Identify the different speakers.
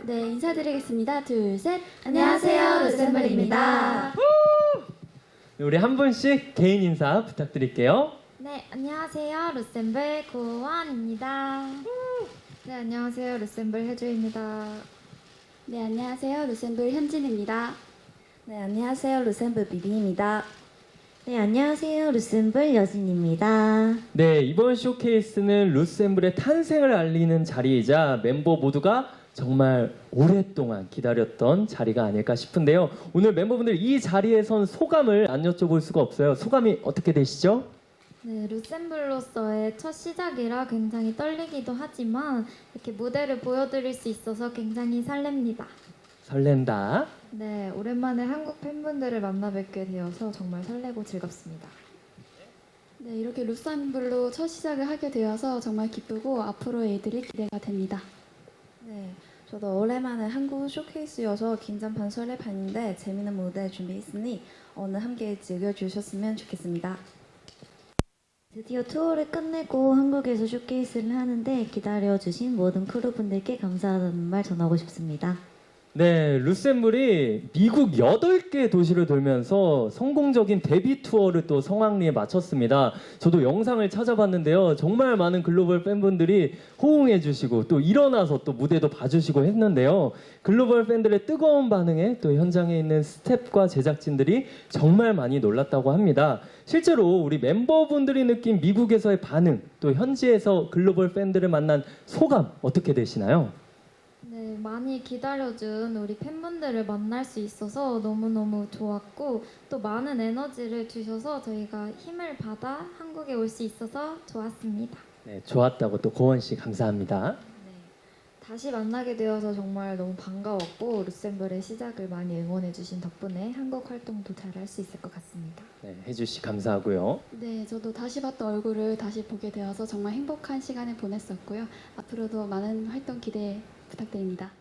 Speaker 1: 네, 인사드리겠습니다. 둘, 셋.
Speaker 2: 안녕하세요, 루셈블입니다.
Speaker 3: 우리 한 분씩 개인 인사 부탁드릴게요.
Speaker 2: 네, 안녕하세요. 루셈블 고원입니다.
Speaker 4: 네, 안녕하세요. 루셈블 혜주입니다.
Speaker 1: 네, 안녕하세요. 루셈블 현진입니다.
Speaker 5: 네, 안녕하세요. 루셈블 비비입니다.
Speaker 6: 네, 안녕하세요. 루셈블 여진입니다.
Speaker 3: 네, 이번 쇼케이스는 루셈블의 탄생을 알리는 자리이자 멤버 모두가 정말 오랫동안 기다렸던 자리가 아닐까 싶은데요. 오늘 멤버분들 이 자리에 선 소감을 안 여쭤볼 수가 없어요. 소감이 어떻게 되시죠?
Speaker 2: 네, 루셈블로서의 첫 시작이라 굉장히 떨리기도 하지만 이렇게 무대를 보여드릴 수 있어서 굉장히 설렙니다.
Speaker 3: 설렌다.
Speaker 4: 네, 오랜만에 한국 팬분들을 만나 뵙게 되어서 정말 설레고 즐겁습니다.
Speaker 1: 네, 이렇게 루셈블로 첫 시작을 하게 되어서 정말 기쁘고 앞으로의 일들이 기대가 됩니다.
Speaker 5: 네, 저도 오랜만에 한국 쇼케이스여서 긴장 반 설레 반인데 재미있는 무대 준비했으니 오늘 함께 즐겨주셨으면 좋겠습니다.
Speaker 6: 드디어 투어를 끝내고 한국에서 쇼케이스를 하는데 기다려주신 모든 크루분들께 감사하다는 말 전하고 싶습니다.
Speaker 3: 네, 루셈블이 미국 8개 도시를 돌면서 성공적인 데뷔 투어를 또 성황리에 마쳤습니다. 저도 영상을 찾아봤는데요. 정말 많은 글로벌 팬분들이 호응해 주시고 또 일어나서 또 무대도 봐주시고 했는데요. 글로벌 팬들의 뜨거운 반응에 또 현장에 있는 스태프과 제작진들이 정말 많이 놀랐다고 합니다. 실제로 우리 멤버분들이 느낀 미국에서의 반응, 또 현지에서 글로벌 팬들을 만난 소감 어떻게 되시나요?
Speaker 2: 네, 많이 기다려준 우리 팬분들을 만날 수 있어서 너무너무 좋았고 또 많은 에너지를 주셔서 저희가 힘을 받아 한국에 올 수 있어서 좋았습니다.
Speaker 3: 네, 좋았다고 또 고원 씨 감사합니다.
Speaker 4: 네, 다시 만나게 되어서 정말 너무 반가웠고 루셈블의 시작을 많이 응원해주신 덕분에 한국 활동도 잘 할 수 있을 것 같습니다.
Speaker 3: 네, 혜주 씨 감사하고요.
Speaker 1: 네, 저도 다시 봤던 얼굴을 다시 보게 되어서 정말 행복한 시간을 보냈었고요. 앞으로도 많은 활동 기대 부탁드립니다.